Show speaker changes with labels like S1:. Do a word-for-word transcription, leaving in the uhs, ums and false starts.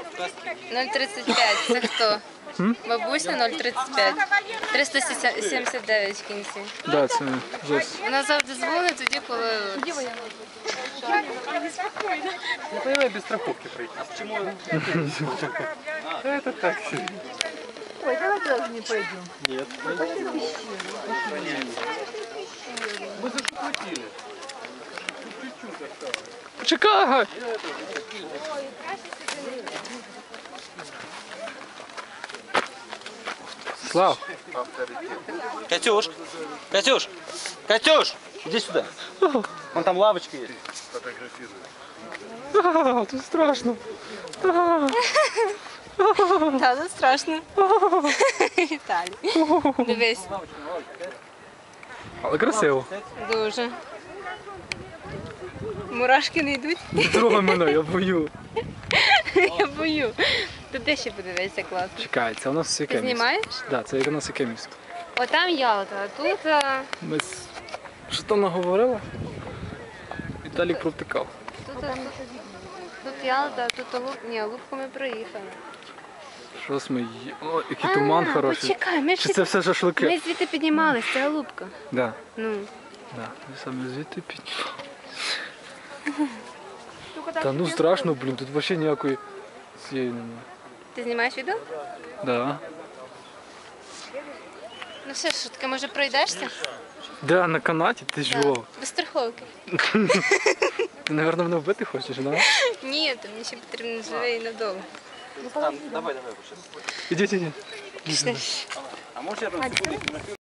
S1: нуль тридцять п'ять. Це хто? Бабуся нуль тридцять п'ять. триста сімдесят дев'ять в кінці.
S2: Да, це Зос.
S1: Вона завжди дзвонить тоді, коли...
S3: Не понимаю, без страховки пройти. Почему? Это так.
S4: Ой, давай тоже не пойдем.
S3: Нет. Мы захватили. Чуть-чуть осталось.
S2: Чекай! Слав!
S3: Катюш! Катюш! Катюш! Иди сюда. Вон там лавочка есть.
S2: А, тут страшно.
S1: Так, це страшно. Віталій. Дивись.
S2: Але красиво.
S1: Дуже. Мурашки не йдуть?
S2: Не трогай мене, я бою.
S1: Я бою. Тут ти ще подивися, класно.
S2: Чекай, це у нас яке
S1: Ти
S2: місто?
S1: знімаєш?
S2: Так, це у нас яке місто?
S1: Отам Ялта, а тут... а,
S2: Ми з... Що там наговорила? Віталік провтикав.
S1: Тут, тут, тут Ялта, а тут Луп... Ні, Лупку ми проїхали.
S2: Щось ми є. О, який туман
S1: А,
S2: хороший.
S1: Почекай, ми ж
S2: Чи це все шашлики?
S1: ми звідти піднімались, це Лупка.
S2: Да.
S1: Ну.
S2: Да. Ми саме звідти під... Та ну страшно, блін, тут взагалі ніякої цієї немає.
S1: Ти знімаєш відео?
S2: Да.
S1: Ну все, що таке, може пройдешся?
S2: Да, на канаті? Ти жо?
S1: Без страховки.
S2: Ти, мабуть, мене вбити хочеш, да?
S1: Ні, то мені ще потрібно живе і надовго.
S3: Давай, давай.
S2: Ідіть, ідіть.
S1: Пішли.
S3: А может я там секундочку